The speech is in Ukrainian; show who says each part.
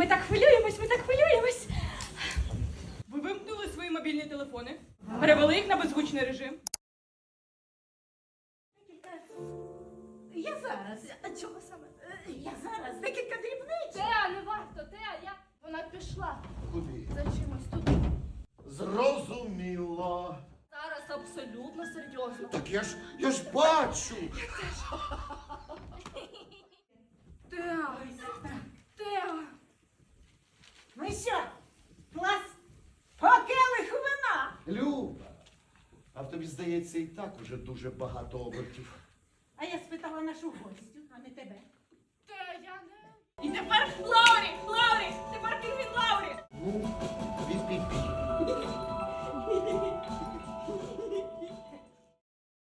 Speaker 1: ми так хвилюємось, ми так хвилюємось. Ви вимкнули свої мобільні телефони, перевели їх на беззвучний режим.
Speaker 2: Я зараз. А чого саме? Я зараз. Декілька дрібниць.
Speaker 3: Теа, не варто, Теа, вона пішла
Speaker 4: Куди?
Speaker 3: за чимось тут.
Speaker 4: Зрозуміло.
Speaker 3: Зараз абсолютно серйозно.
Speaker 4: Так я ж бачу.
Speaker 3: Теа, Теа.
Speaker 2: Ну що, клас? По келиху вина.
Speaker 4: Люба, а в тобі, здається, і так уже дуже багато обертів.
Speaker 2: А я спитала нашу гостю, а не тебе.
Speaker 3: Теа, я не...
Speaker 1: І тепер Лаурі, тепер пінгвін Лаурі.
Speaker 4: Ну, від.